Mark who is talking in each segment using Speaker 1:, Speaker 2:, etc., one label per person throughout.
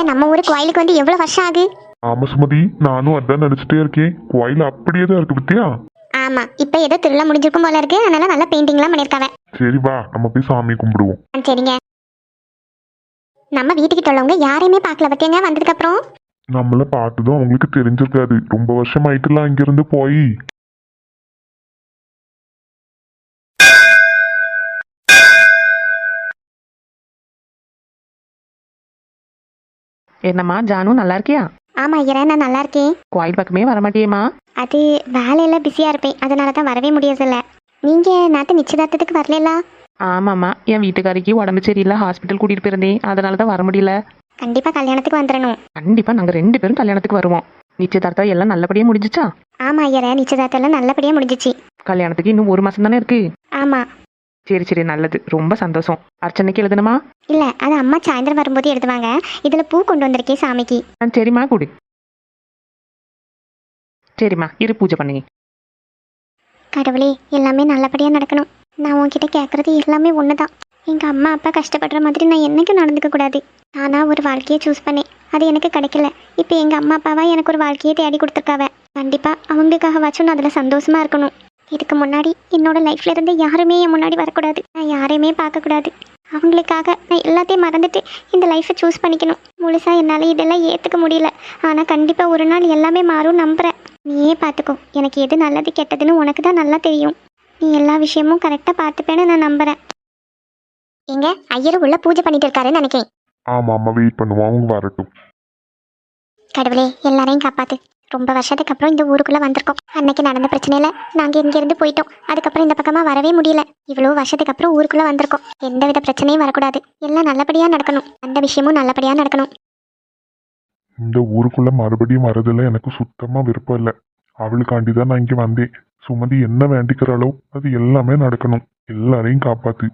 Speaker 1: நம்ம ஊரு கோயிலுக்கு வந்து எவ்வளவு வருஷம் ஆகுது?
Speaker 2: ஆமா சுமதி, நானும் அதான் நினைச்சிட்டே இருக்கேன். கோயில் அப்படியே தான் இருக்கு பத்தியா?
Speaker 1: ஆமா, இப்ப ஏதோ திருவிழா முடிஞ்சிருக்கும் போல இருக்கு. அதனால நல்லா பெயிண்டிங்லாம் பண்ணிருக்காவ.
Speaker 2: சரி வா, நம்ம போய் சாமி கும்பிடுவோம்.
Speaker 1: சரிங்க. நம்ம வீட்டுக்கிட்ட உள்ளவங்க யாரையுமே பார்க்கல பத்தியங்க வந்ததுக்கு அப்புறம்.
Speaker 2: நம்மள பார்த்ததும் அவங்களுக்கு தெரிஞ்சிருக்காது. ரொம்ப வருஷம் ஆயிட்டுலாம் இங்க இருந்து போய்.
Speaker 3: என்னம்மா ஜானு, நல்லா இருக்கியா?
Speaker 1: ஆமா ஐயரே, நான் நல்லா இருக்கேன்.
Speaker 3: கோயில் பக்கமே வரமாட்டியேம்மா?
Speaker 1: அது வேலையில பிஸியா இருப்பேன், அதனால தான் வரவே முடியறதில்ல. நீங்க நேத்து நிச்சயதார்த்தத்துக்கு வரல?
Speaker 3: ஆமாம்மா, என் வீட்டுக்காரிக்கு உடம்பு சரியில்லை, ஹாஸ்பிட்டல் கூட்டிட்டு போயிருந்தேன், அதனால தான் வர முடியல.
Speaker 1: கண்டிப்பா கல்யாணத்துக்கு வந்துடணும்.
Speaker 3: கண்டிப்பா நாங்க 2 பேரும் கல்யாணத்துக்கு வருவோம். நிச்சயதார்த்தம் எல்லாம் நல்லபடியா முடிஞ்சிச்சா?
Speaker 1: ஆமா ஐயரே, நிச்சயதார்த்தம் எல்லாம் நல்லபடியா முடிஞ்சிச்சு.
Speaker 3: கல்யாணத்துக்கு இன்னும் 1 மாசம் தானே இருக்கு.
Speaker 1: ஆமா.
Speaker 3: சரி சரி, நல்லது, ரொம்ப சந்தோஷம். அர்ச்சனைக்கு எழுதணுமா?
Speaker 1: இல்ல, அது அம்மா சாயந்தரம் வரும்போது எடுத்துவாங்க. இதுல பூ கொண்டு வந்திருக்கேன் சாமிக்கு.
Speaker 3: சரிம்மா, கொடு. சரிம்மா, இரு, பூஜை பண்ணி.
Speaker 1: கடவுளே, எல்லாமே நல்லபடியா நடக்கணும். நான் உன்கிட்ட கேட்கறது எல்லாமே ஒண்ணுதான். எங்க அம்மா அப்பா கஷ்டப்படுற மாதிரி நான் என்னைக்கும் நடந்துக்க கூடாது. நானா ஒரு வாழ்க்கையை சூஸ் பண்ணேன், அது எனக்கு கிடைக்கல. இப்போ எங்க அம்மா அப்பாவா எனக்கு ஒரு வாழ்க்கையை தேடி கொடுத்துருக்காவ. கண்டிப்பா அவங்களுக்காகவாச்சும் நான் அதுல சந்தோஷமா இருக்கணும். இதுக்கு முன்னாடி என்னோட லைஃப்ல இருந்து யாருமே என் முன்னாடி வரக்கூடாது. நான் யாரையுமே பார்க்கக்கூடாது. அவங்களுக்காக நான் எல்லாத்தையும் மறந்துட்டு இந்த லைஃப்பை சூஸ் பண்ணிக்கணும். முழுசா என்னால் இதெல்லாம் ஏற்றுக்க முடியல. ஆனால் கண்டிப்பாக ஒரு நாள் எல்லாமே மாறும் நம்புகிறேன். நீயே பார்த்துக்கோ, எனக்கு எது நல்லது கெட்டதுன்னு உனக்கு தான் நல்லா தெரியும். நீ எல்லா விஷயமும் கரெக்டாக பார்த்துப்பேன்னு நான் நம்புகிறேன். எங்க ஐயரும் உள்ள பூஜை பண்ணிட்டு இருக்காருன்னு நினைக்கிறேன்.
Speaker 2: ஆமா ஆமா, வெயிட் பண்ணுவோம், அவங்க வரட்டும்.
Speaker 1: கடவுளே, எல்லாரையும் காப்பாத்து. ரொம்ப வருஷத்துக்கு அப்புறம் இந்த ஊருக்குள்ள வந்திருக்கோம். அன்னைக்கு நடந்த பிரச்சனையில நாங்க இங்க இருந்து போயிட்டோம். அதுக்கப்புறம் இந்த பக்கமா வரவே முடியல. இவ்வளவு வருஷத்துக்கு அப்புறம் ஊருக்குள்ள வந்திருக்கோம். எந்தவித பிரச்சனையும் வரக்கூடாது. எல்லாம் நல்லபடியா நடக்கணும். அந்த விஷயமும் நல்லபடியா நடக்கணும்.
Speaker 2: இந்த ஊருக்குள்ள மறுபடியும் வரதுல எனக்கு சுத்தமா விருப்பம் இல்லை. அவளுக்காண்டிதான் நான் இங்க வந்தேன். சுமதி என்ன வேண்டிக்கிறாளோ அது எல்லாமே நடக்கணும். எல்லாரையும் காப்பாத்து.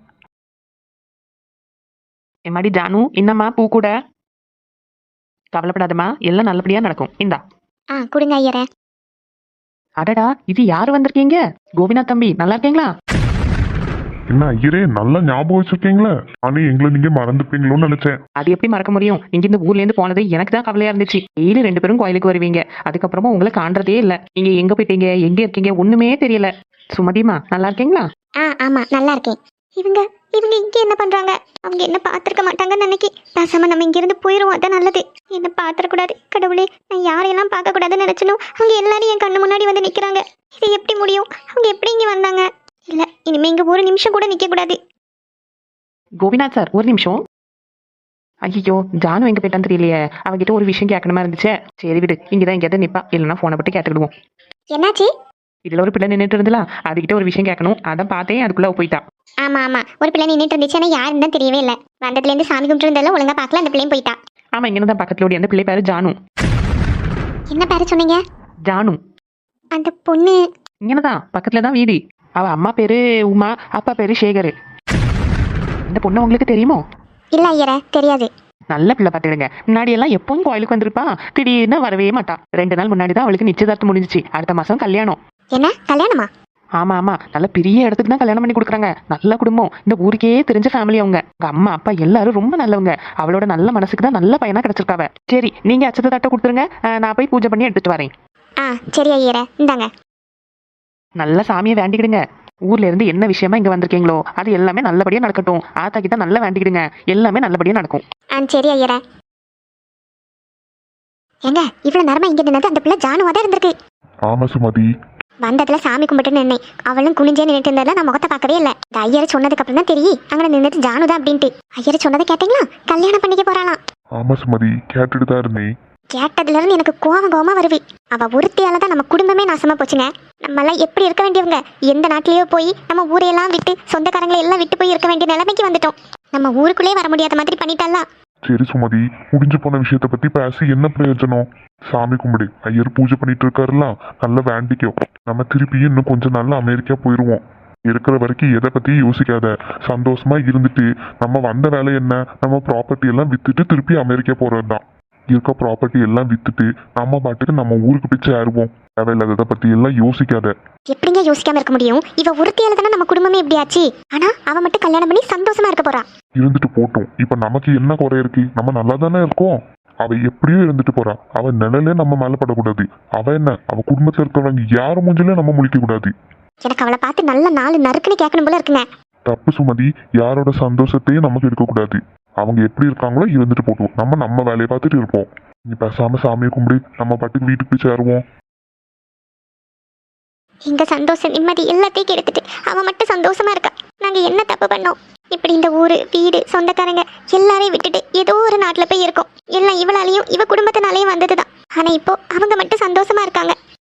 Speaker 3: எம்மாடி ஜானு, என்னம்மா பூ கூட? கவலைப்படாதம்மா, எல்லாம் நல்லபடியா நடக்கும். இந்தா.
Speaker 1: கொடுங்க ஐயரே.
Speaker 3: அடடா, இது யாரு வந்திருக்கீங்க? கோபிநாத் தம்பி, நல்லா இருக்கீங்களா?
Speaker 2: என்ன ஐயரே, நல்லா ஞாபகம் வச்சிருக்கீங்களா? ஆனா எங்களை நீங்க மறந்துப்பீங்களோன்னு நினைச்சேன்.
Speaker 3: அது எப்படி மறக்க முடியும்? நீங்க இந்த ஊர்ல இருந்து போனது எனக்கு தான் கவலையா இருந்துச்சு. டெய்லி 2 பேரும் கோயிலுக்கு வருவீங்க, அதுக்கப்புறமா உங்களை காண்றதே இல்ல. நீங்க எங்க போயிட்டீங்க, எங்க இருக்கீங்க, ஒண்ணுமே தெரியல. சுமதிமா, நல்லா இருக்கீங்களா?
Speaker 1: ஆமா, நல்லா இருக்கேன். இவங்க இவங்க இங்க என்ன பண்றாங்க? அவங்க என்ன பாத்திருக்க மாட்டாங்கன்னு நினைக்கி. பேசாம நம்ம இங்க இருந்து போயிருவோம், அதான் நல்லது. என்ன பாத்திரக்கூடாது. கடவுளே, நான் யாரையெல்லாம் பார்க்க கூடாதுன்னு நினைச்சனோ அவங்க எல்லாரும் என் கண்ணு முன்னாடி வந்து நிக்கிறாங்க. இது எப்படி முடியும்? அவங்க எப்படி இங்க வந்தாங்க? இல்ல, இனிமே இங்க ஒரு நிமிஷம் கூட நிக்க கூடாது.
Speaker 3: கோபிநாத் சார், ஒரு நிமிஷம். ஐயோ, ஜானு எங்க போயிட்டான்னு தெரியலையே. அவகிட்ட ஒரு விஷயம் கேட்கணுமா இருந்துச்சே. சரி விடு, இங்கதான் எங்கேயாவது நிப்பா, இல்லைன்னா போனை பட்டு கேட்டுக்கிடுவோம்.
Speaker 1: என்னாச்சு?
Speaker 3: இதுல ஒரு பிள்ளை நின்றுட்டு இருந்தலாம், அதுகிட்ட ஒரு விஷயம் கேட்கணும், அதான் பார்த்தேன், அதுக்குள்ள போயிட்டா.
Speaker 1: ஆமா, ஒரு பிள்ளை நின்றுட்டு இருந்துச்சு. ஆனா யாருன்னு தான் தெரியவே இல்லை. வந்ததுல இருந்து சாமி கும்பிட்டு இருந்தாலும் ஒழுங்கா பார்க்கல. அந்த பிள்ளையும் போயிட்டா.
Speaker 3: ஆமா, இங்கதான் பக்கத்துல ஓடி. அந்த பிள்ளை பேரு ஜானு.
Speaker 1: என்ன பேரு சொன்னீங்க?
Speaker 3: ஜானு.
Speaker 1: அந்த பொண்ணு
Speaker 3: இங்கனதான் பக்கத்துலதான் வீடு. அவ அம்மா பேரு உமா, அப்பா பேரு சேகர். இந்த பொண்ணு உங்களுக்கு தெரியுமோ?
Speaker 1: இல்ல ஐயரே, தெரியாது.
Speaker 3: நல்ல பிள்ளை பார்த்துடுங்க. முன்னாடி எல்லாம் எப்பவும் கோயிலுக்கு வந்திருப்பா, திடீர்னு வரவே மாட்டா. 2 நாள் முன்னாடி தான் அவளுக்கு நிச்சயதார்த்தம் முடிஞ்சிச்சு. அடுத்த மாசம் கல்யாணம்.
Speaker 1: என்ன கல்யாணமா?
Speaker 3: ஆமா, நல்ல பெரிய இடத்துக்கு தான் கல்யாணம் பண்ணி கொடுக்குறாங்க. நல்ல குடும்பம், இந்த ஊருக்கே தெரிஞ்ச ஃபேமிலி. அவங்க அம்மா அப்பா எல்லாரும் ரொம்ப நல்லவங்க. அவளோட நல்ல மனசுக்கு தான் நல்ல பையனா கிடைச்சிருக்காவ. சரி, நீங்க அச்சத்தை தட்டை கொடுத்துருங்க, நான் போய் பூஜை பண்ணி எடுத்துட்டு வரேன்.
Speaker 1: சரி ஐயரே, இந்தாங்க.
Speaker 3: நல்ல சாமியை வேண்டிக்கிடுங்க. ஊர்ல இருந்து என்ன விஷயமா இங்க வந்திருக்கீங்களோ அது எல்லாமே நல்லபடியா நடக்கட்டும். ஆத்தா கிட்ட நல்லா வேண்டிக்கிடுங்க, எல்லாமே நல்லபடியா நடக்கும்.
Speaker 1: சரி ஐயரே. எங்க இவ்வளவு நேரமா இங்க நின்னது அந்த பிள்ளை ஜானுவா தான் இருந்திருக்கு.
Speaker 2: ஆமா சுமதி,
Speaker 1: வந்ததுல சாமி கும்பிட்டு நின்னேன். அவளும் குனிஞ்சே நின்றுட்டு இருந்தால நான் முகத்தை பார்க்கவே இல்லை. இந்த ஐயர் சொன்னதுக்கு அப்புறம் தான் தெரியும் அங்கே நின்றுட்டு ஜானுதான் அப்படின்ட்டு. ஐயர் சொன்னதை கேட்டீங்களா? கல்யாணம் பண்ணிக்க போறாளாம்.
Speaker 2: ஆமா சுமதி, கேட்டுட்டு தான் இருந்தேன்.
Speaker 1: கேட்டதுல இருந்து எனக்கு கோவமா வருவி. அவ ஒருத்தியால தான் நம்ம குடும்பமே நாசமா போச்சுங்க. நம்ம எல்லாம் எப்படி இருக்க வேண்டியவங்க? எந்த நாட்டிலேயோ போய் நம்ம ஊரையெல்லாம் விட்டு சொந்தக்காரங்களை எல்லாம் விட்டு போய் இருக்க வேண்டிய நிலைமைக்கு வந்துட்டோம். நம்ம ஊருக்குள்ளே வர முடியாத மாதிரி பண்ணிட்டாலாம்.
Speaker 2: சரி சுமதி, முடிஞ்சு போன விஷயத்த பத்தி பேசி என்ன பிரயோஜனம்? சாமி கும்பிடு, ஐயர் பூஜை பண்ணிட்டு இருக்காருலாம், நல்லா வேண்டிக்கோ. நம்ம திருப்பி இன்னும் கொஞ்ச நாள்ல அமெரிக்கா போயிருவோம். இருக்கிற வரைக்கும் எதை பத்தியும் யோசிக்காத, சந்தோஷமா இருந்துட்டு நம்ம வந்த வேலை என்ன, நம்ம ப்ராப்பர்ட்டி எல்லாம் வித்துட்டு திருப்பி அமெரிக்கா போறதுதான். இருக்க ப்ராப்பர்ட்டி எல்லாம் வித்துட்டு நம்ம பாட்டுக்கு நம்ம ஊருக்கு போய் சேருவோம். தேவையில்லாததை பத்தி எல்லாம் யோசிக்காத.
Speaker 1: எப்படிங்க யோசிக்காம இருக்க முடியும்? இவ ஒருத்தியால தானே நம்ம குடும்பமே இப்படி ஆச்சு. ஆனா அவ மட்டும் கல்யாணம் பண்ணி சந்தோஷமா இருக்க போறா.
Speaker 2: இருந்துட்டு போட்டும், இப்ப நமக்கு என்ன குறை இருக்கு? நம்ம நல்லா தானே இருக்கோம். அவ எப்படியோ இருந்துட்டு போறா. அவ நிழலே நம்ம மேல படக்கூடாது. அவ என்ன, அவ குடும்பத்துல இருக்கிறவங்க யார் மூஞ்சிலே நம்ம முழிக்க கூடாது.
Speaker 1: எனக்கு அவளை பார்த்து நல்ல நாலு நறுக்குன்னு கேட்கணும் போல இருக்குங்க.
Speaker 2: தப்பு சுமதி. யாரோட சந்தோஷத்தையும் நமக்கு இருக்கக்கூடாது. அவங்க எப்படி இருக்காங்களோ இருந்துட்டு போட்டோம். நம்ம வேலையை பார்த்துட்டு இருப்போம். நீ பேசாம சாமியை கும்பிடு, நம்ம பாட்டுக்கு வீட்டுக்கு போய் சேருவோம்.
Speaker 1: எங்க சந்தோஷம் நிம்மதி எல்லாத்தையும் கெடுத்துட்டு அவன் மட்டும் சந்தோஷமா இருக்கா. நாங்க என்ன தப்பு பண்ணோம்? இப்படி இந்த ஊரு வீடு சொந்தக்காரங்க எல்லாரையும் விட்டுட்டு ஏதோ ஒரு நாட்டுல போய் இருக்கோம். எல்லாம் இவளாலையும் இவ குடும்பத்தினாலையும் வந்ததுதான். ஆனா இப்போ அவங்க மட்டும் சந்தோஷமா இருக்காங்க.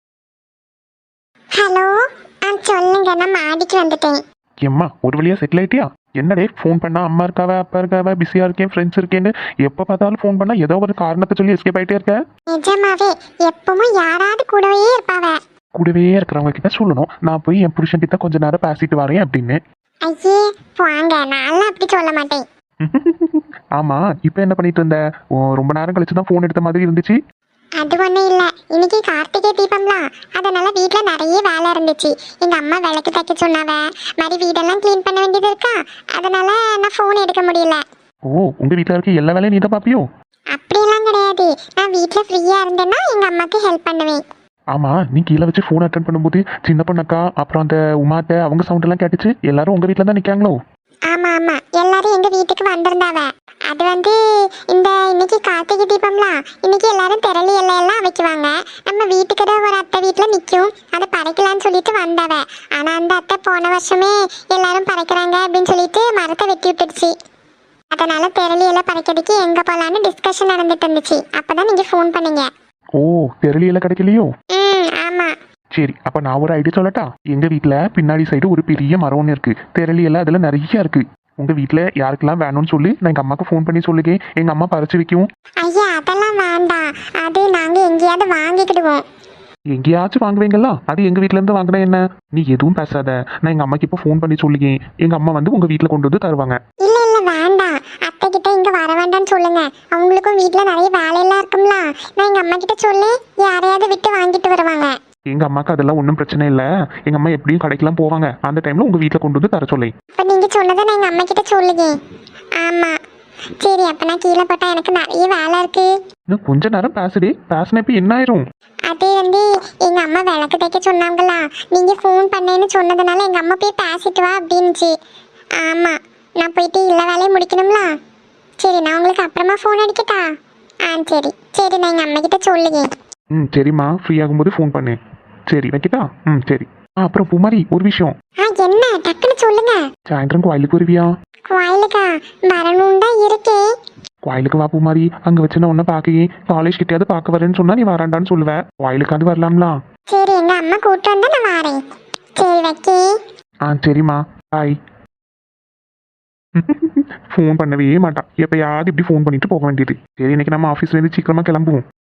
Speaker 1: ஹலோ, சொல்லுங்க. நான் மாடிக்கு வந்துட்டேன்.
Speaker 3: ஏம்மா ஒரு வழியா செட்டில் ஆயிட்டியா? என்னடே ஃபோன் பண்ணா அம்மா இருக்காவ அப்பா இருக்காவ பிஸியா இருக்கேன் ஃப்ரெண்ட்ஸ் இருக்கேன்னு எப்போ பார்த்தாலும் ஃபோன் பண்ணா ஏதோ ஒரு காரணத்தை சொல்லி எஸ்கேப் ஆயிட்டே இருக்க.
Speaker 1: நிஜமாவே எப்பவும் யாராவது கூடவே இருப்பாவ.
Speaker 3: கூடவே இருக்கிறவங்க கிட்ட சொல்லணும் நான் போய் என் புருஷன் கிட்ட கொஞ்ச நேரம் பேசிட்டு வரேன் அப்படின்னு.
Speaker 1: ஐயே வாங்க, நான் அப்படி சொல்ல மாட்டேன்.
Speaker 3: ஆமா இப்போ என்ன பண்ணிட்டு இருந்த? ரொம்ப நேரம் கழிச்சு தான் ஃபோன் எடுத்த மாதிரி இருந்துச்சு.
Speaker 1: அது ஒன்றும் இல்லை, இன்னைக்கு கார்த்திகை தீபம்லாம், அதனால வீட்டில் நிறைய வேலை இருந்துச்சு. எங்கள் அம்மா விளக்கு தைக்க சொன்னாவ, மாதிரி வீடெல்லாம் க்ளீன் பண்ண வேண்டியது இருக்கா, அதனால நான் ஃபோன் எடுக்க முடியல.
Speaker 3: ஓ உங்க வீட்டில் இருக்க எல்லா வேலையும் நீ தான் பாப்பியோ?
Speaker 1: அப்படிலாம் கிடையாது, நான் வீட்டில் ஃப்ரீயாக இருந்தேன்னா எங்கள் அம்மாவுக்கு ஹெல்ப் பண்ணுவேன்.
Speaker 3: ஆமா நீ கீழே வச்சு ஃபோன் அட்டன் பண்ணும்போது சின்ன பொண்ணக்கா அப்புறம் அந்த உமாட்ட அவங்க சவுண்ட் எல்லாம் கேட்டுச்சு. எல்லாரும் உங்க வீட்டில் தான் நிற்காங்களோ?
Speaker 1: ஆமாம் ஆமாம், எல்லாரும் எங்கள் வீட்டுக்கு வந்திருந்தாவ. அது இன்னைக்கு கார்த்திகை தீபம்லாம், இன்னைக்கு எல்லாரும் திரளி எல்லாம் வைக்குவாங்க. நம்ம வீட்டுக்கு தான் ஒரு அத்தை வீட்டில் நிற்கும், அதை படைக்கலான்னு சொல்லிட்டு வந்தாவ. ஆனால் அந்த அத்தை போன வருஷமே எல்லாரும் படைக்கிறாங்க அப்படின்னு சொல்லிட்டு மரத்தை வெட்டி விட்டுடுச்சு. அதனால திரளி எல்லாம் படைக்கிறதுக்கு எங்கே போகலான்னு டிஸ்கஷன் நடந்துட்டு இருந்துச்சு. அப்போதான் நீங்கள் ஃபோன் பண்ணீங்க.
Speaker 3: ஓ தெரியல கிடைக்கலையோ?
Speaker 1: ஆமாம்.
Speaker 3: சரி அப்போ நான் ஒரு ஐடியா சொல்லட்டா? எங்கள் வீட்டில் பின்னாடி சைடு ஒரு பெரிய மரம் ஒன்று இருக்குது. தெரளி எல்லாம் அதில் நிறைய இருக்குது. உங்கள் வீட்டில் யாருக்கெல்லாம் வேணும்னு சொல்லி நான் எங்கள் அம்மாவுக்கு ஃபோன் பண்ணி சொல்லுங்க, எங்கள் அம்மா பறிச்சு வைக்கும்.
Speaker 1: ஐயா அதெல்லாம் வேண்டாம், அது நாங்கள் எங்கேயாவது வாங்கிக்கிடுவோம்.
Speaker 3: எங்கேயாச்சும் வாங்குவீங்களா? அது எங்கள் வீட்டிலேருந்து வாங்கினா என்ன? நீ எதுவும் பேசாத, நான் எங்கள் அம்மாக்கு இப்போ ஃபோன் பண்ணி சொல்லுங்க, எங்கள் அம்மா வந்து உங்கள் வீட்டில் கொண்டு வந்து தருவாங்க.
Speaker 1: இல்லை இல்லை வேண்டாம், அத்தை கிட்ட இங்கே வர வேண்டாம்னு சொல்லுங்க. அவங்களுக்கும் வீட்டில் நிறைய வேலையெல்லாம் இருக்கும்ல, நான் எங்கள் அம்மா கிட்ட சொல்லி யாரையாவது விட்டு வாங்கிட்டு வருவாங்க.
Speaker 3: எங்கள் அம்மாவுக்கு அதெல்லாம் ஒன்றும் பிரச்சனை இல்லை. எங்கள் அம்மா எப்படியும் கடைக்கெல்லாம் போவாங்க, அந்த டைமில் உங்கள் வீட்டில் கொண்டு வந்து தர சொல்லி.
Speaker 1: இப்போ நீங்கள் சொன்னதை நான் எங்கள் அம்மா கிட்ட சொல்லுங்க. ஆமாம் சரி, அப்போ நான் கீழே போட்டால் எனக்கு நிறைய வேலை இருக்கு.
Speaker 3: இன்னும் கொஞ்ச நேரம் பேசினப்ப என்ன ஆயிரும்?
Speaker 1: அது எங்கள் அம்மா விளக்கு தைக்க சொன்னாங்களா, நீங்கள் ஃபோன் பண்ணேன்னு சொன்னதுனால எங்கள் அம்மா போய் பேசிட்டு வா அப்படின்னுச்சு. ஆமாம் நான் போயிட்டு எல்லா வேலையும் முடிக்கணும்ல. சரி நான் உங்களுக்கு அப்புறமா ஃபோன் அடிக்கட்டா? சரி சரி, நான் எங்கள் அம்மா கிட்ட சொல்லுங்க.
Speaker 3: சரிம்மா ஃப்ரீ ஆகும்போது ஃபோன் பண்ணு. சரி வைக்கிட்டா? சரி. அப்புறம் பூமாரி ஒரு விஷயம்.
Speaker 1: என்ன டக்குன்னு சொல்லுங்க.
Speaker 3: சாயந்தரம் கோயிலுக்கு வருவியா?
Speaker 1: கோயிலுக்கா? வரணும் தான் இருக்கேன்.
Speaker 3: கோயிலுக்கு வா பூமாரி, அங்கே வச்சு நான் ஒன்றை பார்க்கையே காலேஜ் கிட்டேயாவது பார்க்க வரேன்னு சொன்னா நீ வராண்டான்னு சொல்லுவேன். கோயிலுக்காவது வரலாம்லாம்.
Speaker 1: சரி எங்க அம்மா கூப்பிட்டு வந்தா நான் வரேன். சரி வைக்கே.
Speaker 3: சரிம்மா பாய். ஃபோன் பண்ணவே மாட்டான், எப்பயாவது இப்படி ஃபோன் பண்ணிட்டு போக வேண்டியது. சரி இன்னைக்கு நம்ம ஆஃபீஸ்லேருந்து சீக்கிரமா கிளம்புவோம்.